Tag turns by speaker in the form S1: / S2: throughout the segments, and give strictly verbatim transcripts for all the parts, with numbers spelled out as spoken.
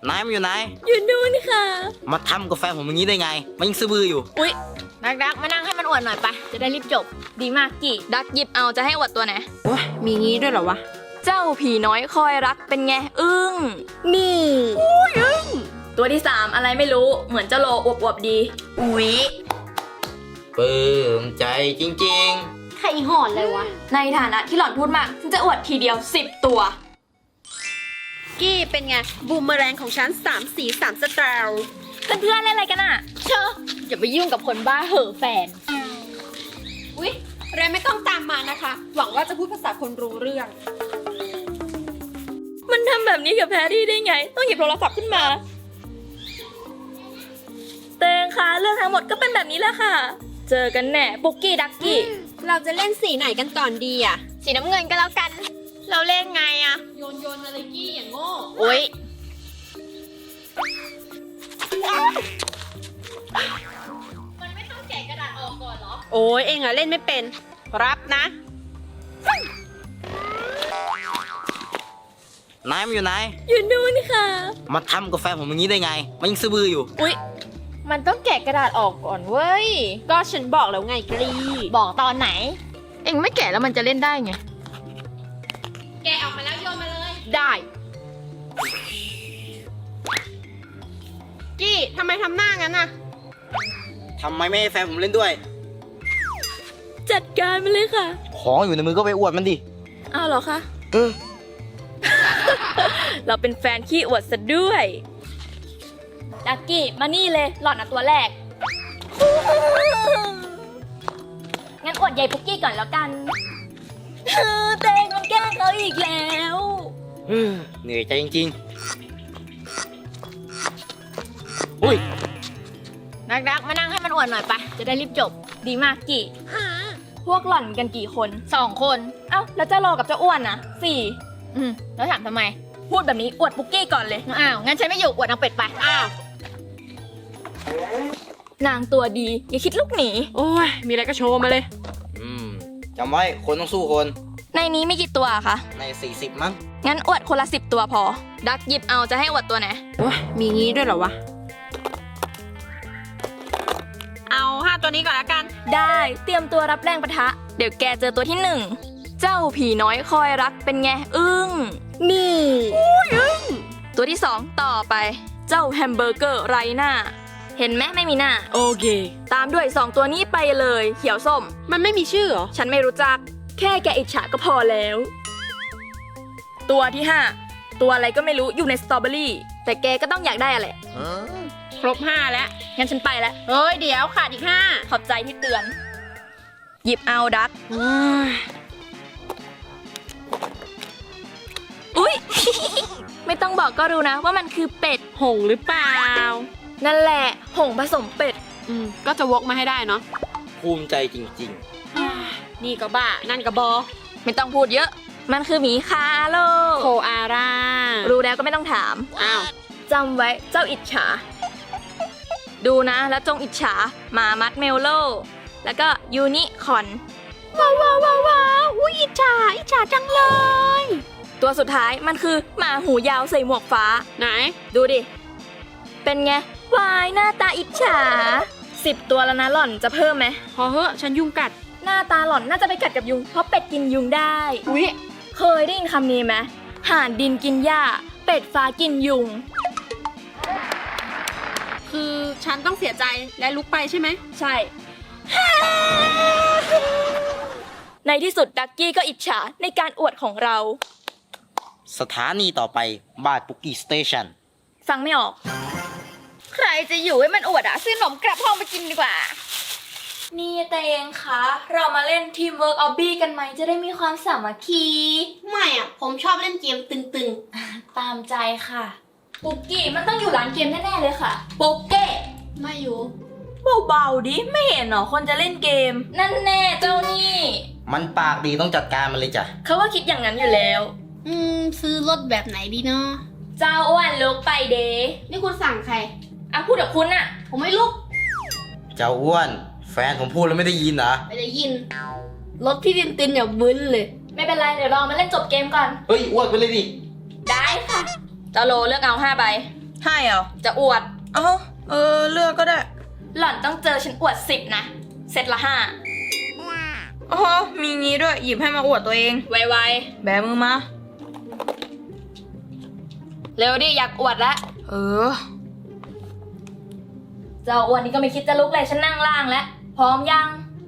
S1: นายมันอยู่ไหน
S2: อยู่นู่นค่ะ
S1: มาทำกาแฟผมอย่างนี้ได้ไงมันยังซื้อบื้ออยู่
S2: อุ๊ยดักดักมานั่งให้มันอวดหน่อยปะจะได้รีบจบดีมากกี่ดักหยิบเอาจะให้อวดตัวไหน
S3: โอ้ยมีงี้ด้วยเหรอวะ
S2: เจ้าผีน้อยคอยรักเป็นไงอึ้งนี่อุ้ยอึ้งตัวที่สามอะไรไม่รู้เหมือนเจ้าโลอวบๆดีอุ๊ย
S1: ปลื้มใจจริง
S3: ๆใครหอนเลยวะ
S2: ในฐานะที่หล่อนพูดมากฉันจะอวดทีเดียวสิบตัว
S3: กี้เป็นไงบูมเมอแรงของฉันสามสีสามสไตล์
S2: เพื่อนๆเล่นอะไรกันอ่ะเชอะอย่าไปยุ่งกับคนบ้าเห่อแฟน
S3: อุ๊ยเรนไม่ต้องตามมานะคะหวังว่าจะพูดภาษาคนรู้เรื่อง
S2: มันทำแบบนี้กับแพรรี่ได้ไงต้องหยิบโทรศัพท์ขึ้นมาเตงคะเรื่องทั้งหมดก็เป็นแบบนี้แหละค่ะเจอกันแน่ปุกกี้ดักกี้
S3: เราจะเล่นสีไหนกันก่อนดีอ่ะ
S2: สีน้ำเงินก็แล้วกันเราเล่นไงอะ
S3: โยนโยนอะไรกี้อย่างโง่
S2: อุ๊ยมันไม่ต้องแกะกระดาษออกก่อนเหรอ
S3: โอ้ยเองอะเล่นไม่เป็นรับนะ
S1: นายมันอยู่ไหน
S2: อยู่นู่นค่ะ
S1: มาทำกาแฟผมอย่างนี้ได้ไงมันยังซื้อบื้ออยู่
S2: อุ๊ยมันต้องแกะกระดาษออกก่อนเว้ย
S3: ก็ฉันบอกแล้วไงกรี
S2: บอกตอนไหนเอ็งไม่แกะแล้วมันจะเล่นได้ไง
S3: แกะออกมาแล้วโยนมาเลยได้กี้ทำไมทำหน้างั้นน่ะ
S1: ทำไมไม่ให้แฟนผมเล่นด้วย
S2: จัดการมันเลยค่ะ
S1: ของอยู่ในมือก็ไปอวดมันดิ
S2: อ้าวเหรอคะ
S1: เออ
S2: เราเป็นแฟนขี้อวดซะด้วยดักกี้มานี่เลยหล่อนอ่ะตัวแรกงั้นอวดใหญ่ปุกกี้ก่อนแล้วกันเตงมันแกล้งเขาอีกแล้ว
S1: เหนื่อยใจจริงๆอุ้ย
S2: ดักดักมานั่งให้มันอวดหน่อยปะจะได้รีบจบดีมากกี่พวกหล่อนกันกี่คนสองคนเอ้าแล้วเจ้าโลกับเจ้าอ้วนนะสี่อืมแล้วถามทำไมพูดแบบนี้อวดปุกกี้ก่อนเลยอ้าวงั้นฉันไม่อยู่อวดนางเป็ดไป
S3: อ้า
S2: วนางตัวดีอย่าคิดลูกหนี
S3: โอ้ยมีอะไรก็โชว์มาเลย
S1: อืมจำไว้คนต้องสู้คน
S2: ในนี้มีกี่ตัวคะ
S1: ในสี่สิบมั้ง
S2: งั้นอวดคนละสิบตัวพอดักหยิบเอาจะให้อวดตัวไหน
S3: โอ้ยมีงี้ด้วยเหรอวะเอาห้าตัวนี้ก่อนละกัน
S2: ได้เตรียมตัวรับแรงปะทะเดี๋ยวแกเจอตัวที่หนึ่งเจ้าผีน้อยคอยรักเป็นไงอึ้ง
S3: นี่อุ้ยอึ้ง
S2: ตัวที่สองต่อไปเจ้าแฮมเบอร์เกอร์ไร้หน้าเห็นไหมไม่มีหน้า
S3: โอเค
S2: ตามด้วยสองตัวนี้ไปเลยเขียวส้ม
S3: มันไม่มีชื่อเหรอ
S2: ฉันไม่รู้จักแค่แกอิจฉาก็พอแล้วตัวที่ห้าตัวอะไรก็ไม่รู้อยู่ในสตรอเบอรี่แต่แกก็ต้องอยากได้อะไร
S3: ครบห้าแล้ว
S2: งั้นฉันไปแล้ว
S3: เฮ้ยเดี๋ยวขาดอีกห้า
S2: ขอบใจที่เตือนหยิบเอาดักอุ๊ย ไม่ต้องบอกก็รู้นะว่ามันคือเป็ด
S3: หงหรือเปล่า
S2: นั่นแหละหงผสมเป็ด
S3: อืมก็จะวกมาให้ได้เนาะ
S1: ภูมิใจจริง
S3: ๆนี่ก็บ้านั่นก็บอ
S2: ไม่ต้องพูดเยอะมันคือหมีคาโล
S3: โคอาร่า
S2: รู้แล้วก็ไม่ต้องถาม
S3: อ้าว
S2: จำไว้เจ้าอิจฉาดูนะแล้วจงอิจฉาหมามัดเมลโลแล้วก็ยูนิคอน
S3: ว้าวว้าวว้าวว้าวอุ้ยอิจฉาอิจฉาจังเลย
S2: ตัวสุดท้ายมันคือหมาหูยาวใส่หมวกฟ้า
S3: ไหน
S2: ดูดิเป็นไงวายหน้าตาอิจฉาสิบตัวแล้วนะหล่อนจะเพิ่มไหม
S3: พอเหอะฉันยุงกัด
S2: หน้าตาหล่อนน่าจะไปกัดกับยุงเพราะเป็ดกินยุงได้
S3: อุ๊ย
S2: เคยได้ยินคำนี้ไหมห่านดินกินหญ้าเป็ดฟ้ากินยุง
S3: คือฉันต้องเสียใจและลุกไปใช่ไหม
S2: ใช่ในที่สุดดักกี้ก็อิจฉาในการอวดของเรา
S1: สถานีต่อไปบาดปุกกี้สเตชัน
S2: ฟังไม่ออกใครจะอยู่ให้มันอวดอ่ะซื้อขนมกลับห้องไปกินดีกว่านี่แต่เองคะเรามาเล่นทีมเวิร์กออบบี้กันไหมจะได้มีความสามัคคี
S3: ไม่อ่ะผมชอบเล่นเกมตึง
S2: ๆตามใจค่ะปุกกี้มันต้องอยู่ร้านเกมแน่ๆเลยค่ะปุกเก้
S3: ไม่อยู่
S2: เบาๆดิไม่เห็นหรอคนจะเล่นเกมนั่นแน่เจ้านี่
S1: มันปากดีต้องจัดการมันเลยจ้ะ
S2: เขาว่าคิดอย่างนั้นอยู่แล้ว
S3: อืมซื้อรถแบบไหนดีเนาะ
S2: เจ้าอ้วนลุกไปเด
S3: นี่คุณสั่งใคร
S2: อ่ะพูดกับคุณอะ
S3: ผมไม่ลุก
S1: เจ้าอ้วนแฟนผมพูดแล้วไม่ได้ยินเหรอ
S3: ไม่ได้ยินรถพี่ตินตินอย่าบึ้นเลย
S2: ไม่เป็นไรเดี๋ยวรอมาเล่นจบเกมก่อน
S1: เฮ้ยอ้วนไปเลยดิ
S2: ได้ค่ะเจ้าโลเลือกเอาห้าใบ
S4: ให้เหรอ
S2: จะอวด
S4: เอ้าเออเลือกก็ได้
S2: หล่อนต้องเจอฉันอวดสิบนะ เซตละห้า
S4: อ๋อมีงี้ด้วยหยิบให้มาอวดตัวเอง
S2: ไว
S4: แบมือมา
S2: ๆ เร็วดิ อยากอวดละ
S4: เออ
S2: เจ้าอวดนี่ก็ไม่คิดจะลุกเลย ฉันนั่งล่างแล้ว พร้อมยัง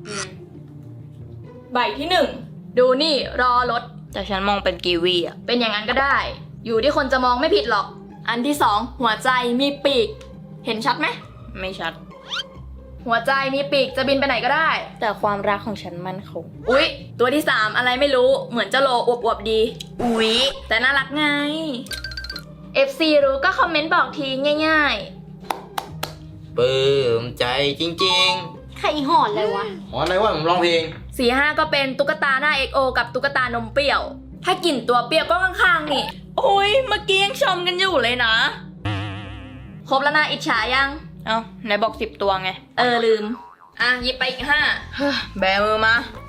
S2: ใบที่หนึ่ง ดูนี่รอรถ
S4: แต่ฉันมองเป็นกีวีอ่ะ
S2: เป็นอย่างนั้นก็ได้ อยู่ที่คนจะมองไม่ผิดหรอก อันที่สองหัวใจมีปีก เห็นชัดไหม
S4: ไม่ชัด
S2: หัวใจมีปีกจะบินไปไหนก็ได้
S4: แต่ความรักของฉันมั่นคง
S2: อุ๊ย ตัวที่สามอะไรไม่รู้ เหมือนเจ้าโลอวบๆดี
S4: อุ๊ย
S2: แต่น่ารักไง เอฟ ซี รู้ก็คอมเมนต์บอกทีง่าย
S1: ปลื้มใจจริง
S3: ใครหอนเลยวะ
S1: ๆหออะไรวะผมร้องเพลง
S2: ๆ สี่ห้าก็เป็นตุ๊กตาหน้า เอ็กซ์ โอ กับตุ๊กตานมเปรี้ยว ถ้ากลิ่นตัวเปรี้ยวก็ข้างๆนี่
S4: โอ้ยเมื่อกี้ยังชมกันอยู่เลยนะ
S2: ครบแล้วนะอิจฉายัง
S4: เอ้าไหนบอกสิบตัวไง
S2: เออลืม อ่ะหยิบไปอีกห้า
S4: เฮ้ยแบมือมา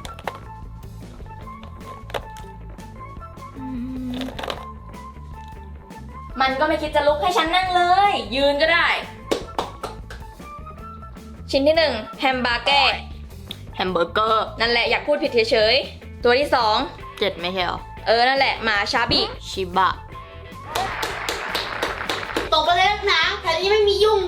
S2: มันก็ไม่คิดจะลุกให้ฉันนั่งเลย ยืนก็ได้ ชิ้นที่หนึ่งแฮมบาร์เก้
S4: แฮมเบอร์เกอร์
S2: นั่นแหละอยากพูดผิดเฉยๆ ตัวที่สอง
S4: เจ็ดไม่ใช่เหรอ
S2: เออ นั่นแหละหมาชาบิ
S4: ชิบะ
S3: ตกไปเลยนะแถวนี้ไม่มียุง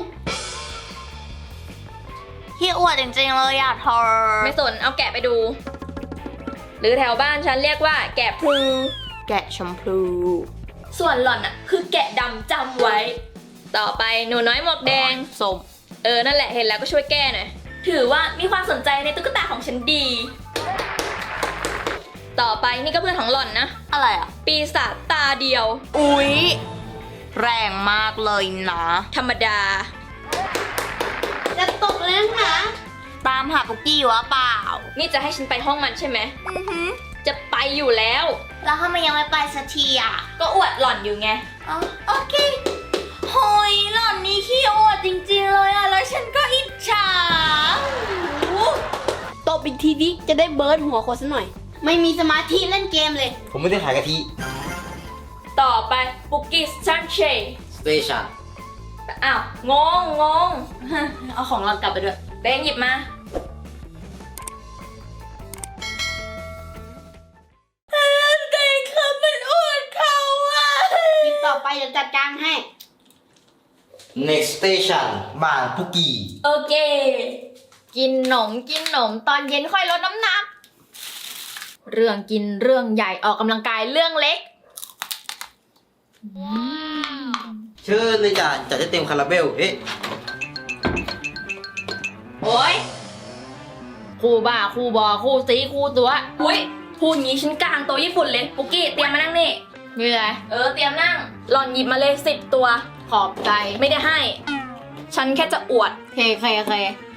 S4: ที่อวดจริงๆเลยอ่ะเธอ
S2: ไม่สนเอาแกะไปดู หรือแถวบ้านฉันเรียกว่าแกะพลู
S4: แกะชมพู
S2: ส่วนหล่อนอ่ะ คือแกะดำจำไว้ ต่อไปหนูน้อยหมวกแดง
S4: ส้ม
S2: เออ นั่นแหละเห็นแล้วก็ช่วยแก้หน่อย ถือว่ามีความสนใจในตุ๊กตาของฉันดี ต่อไปนี่ก็เพื่อนของหล่อนนะ
S4: อะไรอ่ะ
S2: ปีศาจตาเดียว
S4: อุ๊ย แรงมากเลยนะ
S2: ธรรมดา
S3: จะตกเลยนะ
S4: ตามหาปุกกี้วะเปล่า
S2: นี่จะให้ฉันไปห้องมันใช่ไหม จะไปอยู่แล้ว
S4: แล้วทำไมยังไม่ไปสักทีอ่ะ
S2: ก็อวดหล่อนอยู่ไง
S4: อ๋อโอเคโหยหล่อนนี่ขี้อวดจริงๆเลยอ่ะ แล้วฉันก็อิจฉา
S3: ตบอีกทีดิจะได้เบิร์ดหัวคนซะหน่อย ไม่มีสมาธิเล่นเกมเลย
S1: ผมไม่ได้ขายกะทิ
S2: ต่อไปปุกกี้ซันเช
S1: สเตชัน
S2: อ้าว งง งง เอาของหล่อนกลับไปด้วยเต้งหยิบมาเต้งครับมันอวดเขาอ่ะ
S3: คลิปต่อไปเดี๋ยวจัดการให้
S1: next station บ้านปุกกี้
S2: โอเค กินหนมกินหนมตอนเย็นค่อยลดน้ำหนัก เรื่องกินเรื่องใหญ่ออกกำลังกายเรื่องเล็ก
S1: เชิญเลยจ้ะจัดให้เต็มคาราเบล เอ๊ะ
S2: โอ้ยคู่บ้าคู่บอคู่ซีคู่ตัวอุ้ยพูดงี้ฉันกลางโต๊ะญี่ปุ่นเลยปุกกี้เตรียมมานั่งนี่มีอะไรเออเตรียมนั่งหล่อนหยิบมาเลยสิบตัว ขอบใจไม่ได้ให้ ฉันแค่จะอวดเคเคเค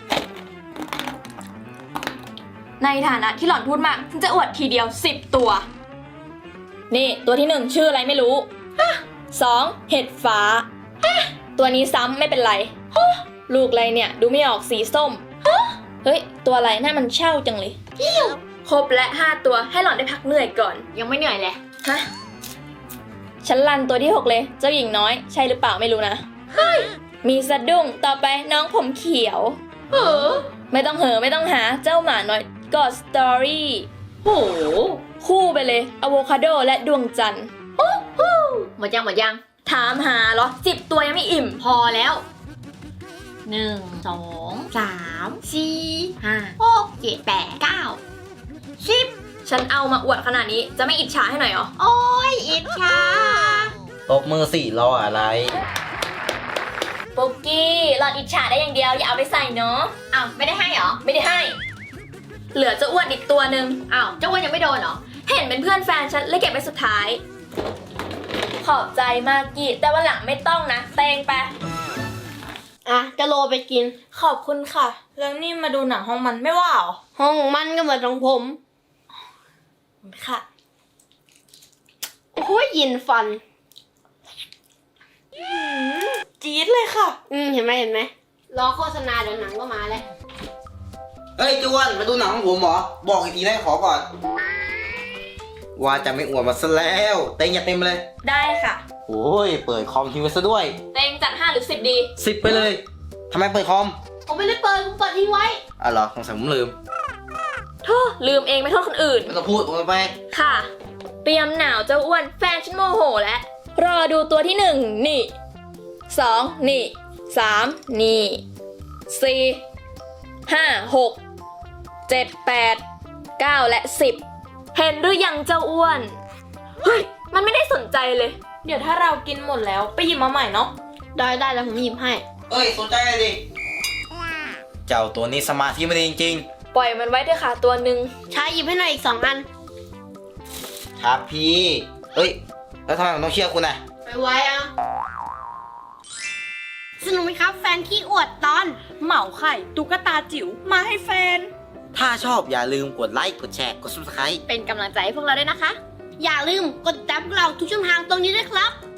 S2: ในฐานะที่หล่อนพูดมากฉันจะอวดทีเดียวสิบตัว นี่ตัวที่หนึ่งชื่ออะไรไม่รู้สองเห็ดฟ้าตัวนี้ซ้ำไม่เป็นไรลูกอะไรเนี่ยดูไม่ออกสีส้มเฮ้ยตัวอะไรหน้ามันเช่าจังเลยครบและห้าตัวให้หล่อนได้พักเหนื่อยก่อน
S3: ยังไม่เหนื่อยเลย
S2: ฮะฉันลันตัวที่หกเลยเจ้าหญิงน้อยใช่หรือเปล่าไม่รู้นะเฮ้ยมีสะดุ้งต่อไปน้องผมเขียวเออไม่ต้องเหอะไม่ต้องหาเจ้าหมาน้อยกอดสตอรี่โหคู่ไปเลยอะโวคาโดและดวงจันทร์หมดยังหมดยังถามหาเหรอสิบตัวยังไม่อิ่มพอแล้วหนึ่งสองสามสี่ห้าหกเจ็ดแปดเก้าสิบฉันเอามาอวดขนาดนี้จะไม่อิจฉาให้หน่อยเหรอ
S3: โอ้ยอิจฉา
S1: ตบมือสี่รออะไร
S2: ปุกกี้หลอดอิจฉาได้อย่างเดียวอย่าเอาไปใส่เนาะอ้าวไม่ได้ให้เหรอไม่ได้ให้ เหลือเจ้าอ้วนอีกตัวหนึ่งอ้าวเจ้าอ้วนยังไม่โดนเหรอเห็นเป็นเพื่อนแฟนฉันเลยเก็บไว้สุดท้าย ขอบใจมากกี้แต่วันหลังไม่ต้องนะเตงไป
S3: อ่ะจะโลไปกิน
S4: ขอบคุณค่ะ แล้วนี่มาดูหนังห้องมันไม่ว่าเหรอ
S3: ห้องมันก็เหมือนของผม
S4: ค่ะ
S3: โอ้ยยินฟัน
S4: จี๊ดเลยค่ะ
S3: อืมเห็นไหมเห็นไหมรอโฆษณาเดี๋ยวหนังก็มาแล้ว
S1: เฮ้ยจวนมาดูหนังของผมเหรอ บอกอีกทีได้ขอก่อน ว่าจะไม่อวดมาซะแล้ว เต็งอย่าเต็มเลย
S2: ได้ค่ะ
S1: โหโอ้ยเปิดคอมทิ้งไว้ซะด้วย
S2: เต็งจัดห้าหรือสิบดี
S1: สิบไปเลยทำไมเปิดคอม
S4: ผมไม่ได้เปิดผมเปิดทิ้งไว้
S1: อ่ะเหรอสงสัยผมลืม
S2: โทษลืมเองไม่โทษคนอื่น
S1: ไม่ต้องพูดโอนไป
S2: ค่ะ เตรียมหนาวเจ้าอ้วนแฟนฉันโมโหแล้ว รอดูตัวที่หนึ่งนี่สองนี่สามนี่สี่ห้าหกเจ็ดแปดเก้าและสิบเห็นหรือยังเจ้าอ้วน เฮ้ย มันไม่ได้สนใจเลย เดี๋ยวถ้าเรากินหมดแล้วไปหยิบมาใหม่เนาะ
S4: ได้ได้แล้วผมหยิบให้
S1: เอ้ยสนใจเลยดิเจ้าตัวนี้สมาธิไม่ดีจริง
S2: ปล่อยมันไว้เถอะค่ะตัวหนึ่ง
S4: ชายหยิบให้หน่อยอีกสองอัน
S1: ๆครับพี่เอ้ยแล้วทำไมผมต้องเชื่อคุณน่ะ
S4: ไปไว้อ่ะสนุกไหมครับแฟนขี้อวดตอน
S2: เหมาไข่ตุ๊กตาจิ๋วมาให้แฟน
S1: ถ้าชอบอย่าลืมกดไลค์กดแชร์กด ซับสไครบ์
S2: เป็นกำลังใจให้พวกเราด้วยนะคะ
S4: อย่าลืมกดติดตามพวกเราทุกช่องทางตรงนี้ด้วยครับ